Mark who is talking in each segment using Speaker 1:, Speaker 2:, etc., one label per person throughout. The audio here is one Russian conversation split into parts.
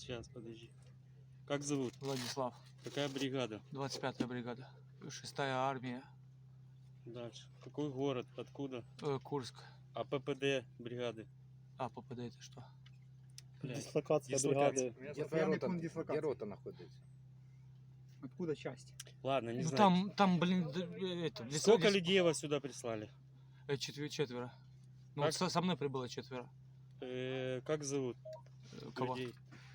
Speaker 1: Сейчас, подожди. Как зовут?
Speaker 2: Владислав.
Speaker 1: Какая бригада?
Speaker 2: 25-я бригада. 6-я армия.
Speaker 1: Дальше. Какой город? Откуда?
Speaker 2: Курск.
Speaker 1: А ППД бригады?
Speaker 2: А, ППД это что?
Speaker 1: Блядь.
Speaker 3: Дислокация
Speaker 1: Дислокация.
Speaker 3: бригады.
Speaker 4: Постоянный пункт дислокации. Где рота находится? Откуда часть?
Speaker 1: Ладно, не
Speaker 2: Ну,
Speaker 1: знаю.
Speaker 2: там, блин, это...
Speaker 1: Сколько людей вас сюда прислали?
Speaker 2: Четверо. Ну,
Speaker 1: Как?
Speaker 2: вот со мной прибыло 4.
Speaker 1: Как зовут
Speaker 2: Кого?
Speaker 1: людей?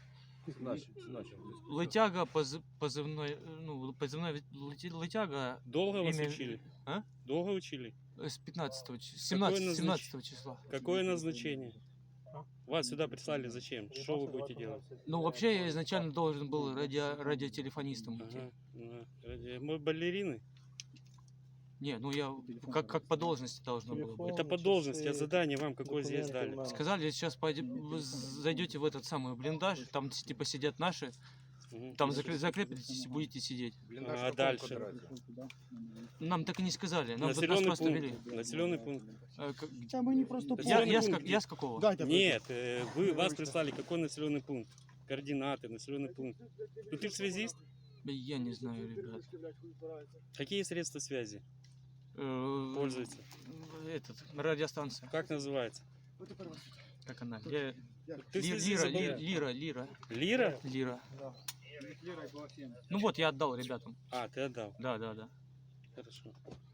Speaker 2: Лытяга, позывной, ну, позывной Лытяга.
Speaker 1: Долго вас
Speaker 2: имя-
Speaker 1: учили?
Speaker 2: А?
Speaker 1: Долго учили?
Speaker 2: С 15
Speaker 1: Какое
Speaker 2: 17 числа.
Speaker 1: Какое назначение? Вас сюда прислали зачем? Что вы будете делать?
Speaker 2: Ну, вообще, я изначально должен был радиотелефонистом идти.
Speaker 1: Ага. Мы балерины?
Speaker 2: Не, ну я как по должности должно было быть.
Speaker 1: Это по должности, а задание вам какое здесь дали?
Speaker 2: Сказали, сейчас вы зайдете в этот самый блиндаж, там типа сидят наши,
Speaker 1: Мгм.
Speaker 2: там закрепитесь и будете сидеть.
Speaker 4: Блиндаж
Speaker 1: А
Speaker 4: в каком
Speaker 1: дальше?
Speaker 4: квадрате?
Speaker 2: Нам так и не сказали, нам нас
Speaker 1: Населенный
Speaker 2: просто
Speaker 1: пункт.
Speaker 2: вели.
Speaker 1: Населенный пункт.
Speaker 3: Да мы не просто
Speaker 2: Я с какого?
Speaker 3: Дайте
Speaker 1: Нет, вас прислали какой населенный пункт? Координаты, населенный пункт. Ну ты же связист?
Speaker 2: Я не знаю, ребят.
Speaker 1: Какие средства связи
Speaker 2: Э,
Speaker 1: пользуются?
Speaker 2: Этот, радиостанция.
Speaker 1: Как называется?
Speaker 2: Как она?
Speaker 1: Ты связист забыл?
Speaker 2: Лира.
Speaker 1: Лира?
Speaker 2: Ну вот, я отдал ребятам.
Speaker 1: А, ты отдал.
Speaker 2: Да.
Speaker 1: Хорошо.